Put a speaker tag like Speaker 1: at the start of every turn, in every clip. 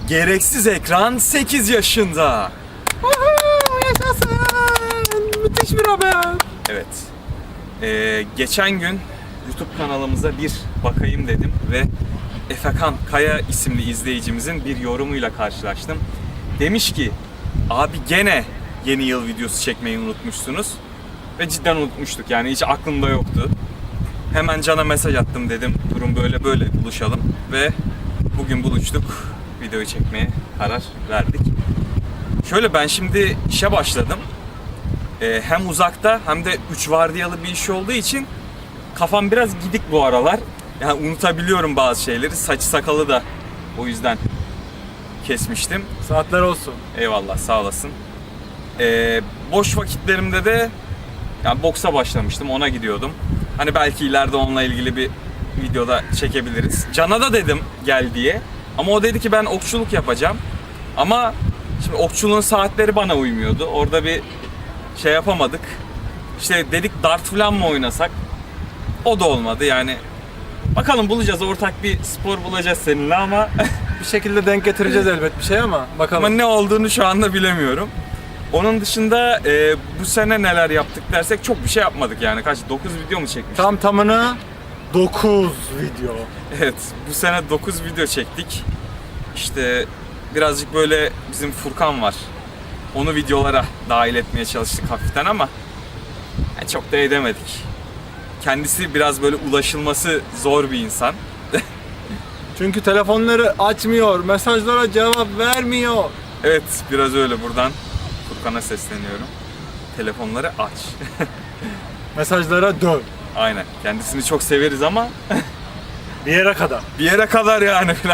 Speaker 1: Gereksiz ekran 8 yaşında.
Speaker 2: Yaşasın. Müthiş bir haber.
Speaker 1: Evet. Geçen gün YouTube kanalımıza bir bakayım dedim ve Efekan Kaya isimli izleyicimizin bir yorumuyla karşılaştım. Demiş ki, abi gene yeni yıl videosu çekmeyi unutmuşsunuz. Ve cidden unutmuştuk, yani hiç aklımda yoktu. Hemen Can'a mesaj attım, dedim durum böyle böyle, buluşalım. Ve bugün buluştuk, videoyu çekmeye karar verdik. Şöyle, ben şimdi işe başladım. Hem uzakta hem de 3 vardiyalı bir iş olduğu için kafam biraz gidik bu aralar. Yani unutabiliyorum bazı şeyleri. Saçı sakalı da o yüzden kesmiştim.
Speaker 2: Saatler olsun.
Speaker 1: Eyvallah, sağ olasın. Boş vakitlerimde de yani boksa başlamıştım, ona gidiyordum. Hani belki ileride onunla ilgili bir videoda çekebiliriz. Can'a da dedim gel diye. Ama o dedi ki ben okçuluk yapacağım. Ama şimdi okçuluğun saatleri bana uymuyordu. Orada bir şey yapamadık. İşte dedik dart falan mı oynasak? O da olmadı yani. Bakalım, bulacağız, ortak bir spor bulacağız seninle ama
Speaker 2: Bir şekilde denk getireceğiz elbet bir şey ama bakalım.
Speaker 1: ama ne olduğunu şu anda bilemiyorum. Onun dışında bu sene neler yaptık dersek çok bir şey yapmadık yani. Kaç? 9 video mu çekmiştik?
Speaker 2: Tam tamına 9 video.
Speaker 1: Evet, bu sene 9 video çektik. İşte birazcık böyle bizim Furkan var. Onu videolara dahil etmeye çalıştık hafiften ama yani çok da edemedik. Kendisi biraz böyle ulaşılması zor bir insan.
Speaker 2: Çünkü telefonları açmıyor, mesajlara cevap vermiyor.
Speaker 1: Evet, biraz öyle. Buradan Furkan'a sesleniyorum. Telefonları aç.
Speaker 2: Mesajlara dön.
Speaker 1: Aynen. Kendisini çok severiz ama
Speaker 2: Bir yere kadar.
Speaker 1: bir yere kadar yani falan.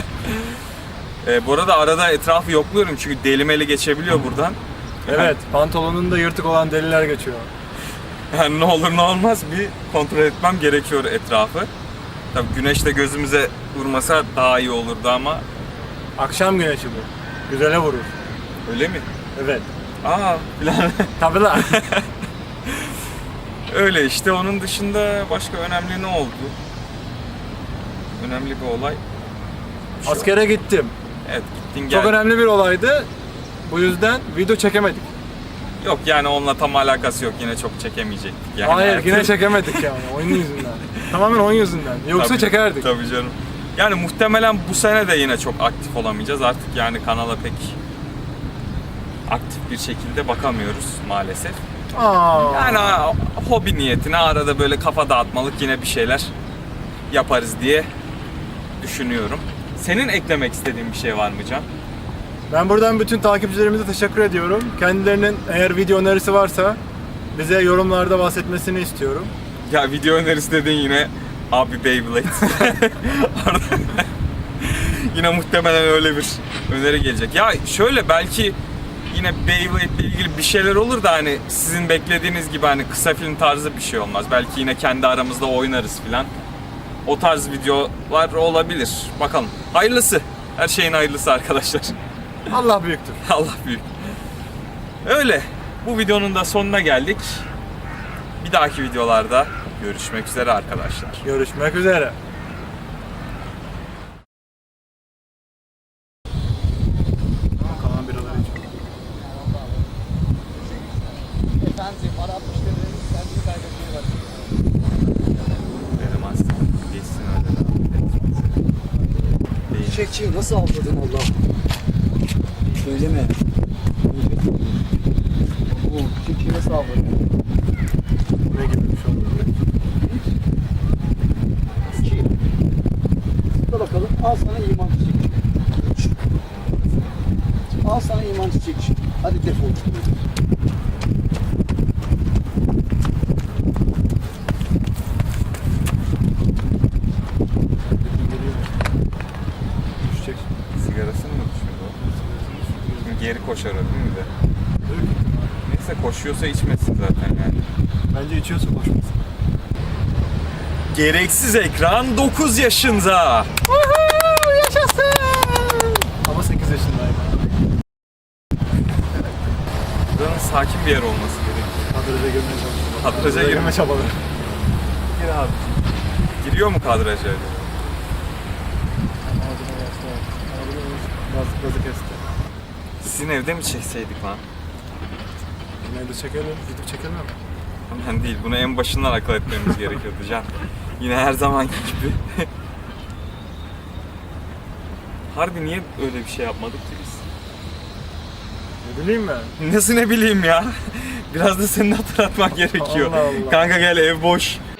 Speaker 1: Bu arada arada etrafı yokluyorum çünkü delimeli geçebiliyor buradan.
Speaker 2: Evet, pantolonunda yırtık olan deliler geçiyor.
Speaker 1: Yani ne olur ne olmaz bir kontrol etmem gerekiyor etrafı. Tabii güneş de gözümüze vurmasa daha iyi olurdu ama
Speaker 2: Akşam güneşi bu. Güzele vurur.
Speaker 1: öyle mi?
Speaker 2: Evet.
Speaker 1: Aa falan.
Speaker 2: Tabii lan.
Speaker 1: Öyle işte, onun dışında başka önemli ne oldu? Önemli bir olay.
Speaker 2: Askere gittim.
Speaker 1: Evet, gittin
Speaker 2: Çok
Speaker 1: geldin.
Speaker 2: önemli bir olaydı. Bu yüzden video çekemedik.
Speaker 1: Yok yani onunla tam alakası yok, yine çok çekemeyecektik yani.
Speaker 2: Hayır, yine çekemedik yani oyun yüzünden. Tamamen oyun yüzünden. Yoksa
Speaker 1: Tabii,
Speaker 2: çekerdik.
Speaker 1: Tabii canım. Yani muhtemelen bu sene de yine çok aktif olamayacağız. Artık yani kanala pek aktif bir şekilde bakamıyoruz maalesef.
Speaker 2: Aa.
Speaker 1: Yani hobi niyetine arada böyle kafa dağıtmalık yine bir şeyler yaparız diye düşünüyorum. Senin eklemek istediğin bir şey var mı Can?
Speaker 2: Ben buradan bütün takipçilerimize teşekkür ediyorum. Kendilerinin eğer video önerisi varsa bize yorumlarda bahsetmesini istiyorum.
Speaker 1: Ya video önerisi dedin yine, abi Beyblade. Yine muhtemelen öyle bir öneri gelecek. Ya şöyle, belki yine Beyblade ile ilgili bir şeyler olur da hani sizin beklediğiniz gibi hani kısa film tarzı bir şey olmaz. Belki yine kendi aramızda oynarız filan. O tarz videolar olabilir. Bakalım. Hayırlısı. Her şeyin hayırlısı arkadaşlar.
Speaker 2: Allah büyüktür.
Speaker 1: Allah büyük. Öyle. Bu videonun da sonuna geldik. Bir dahaki videolarda görüşmek üzere arkadaşlar.
Speaker 2: Görüşmek üzere. Kalan biraları içiyor.
Speaker 3: Efendim, ara 60 lirayı kendini kaybetmeye başlıyor.
Speaker 1: Dedim aslında geçsin öyle.
Speaker 3: Çiçekçiyi nasıl avladın Allah'ım? Söyleme. Bu çiçekçiyi nasıl avladın?
Speaker 2: Ne gibi bir şey oldu?
Speaker 3: Dur bakalım, al sana iman çiçekçi. Al sana iman çiçekçi. Hadi defol.
Speaker 2: Düşecek.
Speaker 1: Sigarasını mı düşürdü o? Şimdi geri koşar o değil mi de? Neyse, koşuyorsa içmesin zaten yani.
Speaker 2: Bence içiyorsa koşmasın.
Speaker 1: Gereksiz ekran 9 yaşında.
Speaker 2: Yaşasın! Ama 8 yaşındayım.
Speaker 1: Buranın sakin bir yer olması gerekiyor.
Speaker 2: Kadraja girmeye çalışıyorum.
Speaker 1: Kadraja
Speaker 2: girme çabaları.
Speaker 1: Gir abi. Giriyor mu kadraja?
Speaker 2: Artık gazı kesti.
Speaker 1: Sizin evde mi çekseydik lan?
Speaker 2: Yine de çekelim. Gidip çekelim mi?
Speaker 1: Ben değil. Bunu en başından akıl etmemiz gerekiyordu Can. Yine her zamanki gibi. Harbi niye öyle bir şey yapmadık ki biz?
Speaker 2: Ne bileyim ben.
Speaker 1: Nasıl ne bileyim ya? Biraz da senin hatırlatman gerekiyor.
Speaker 2: Allah Allah.
Speaker 1: Kanka gel ev boş.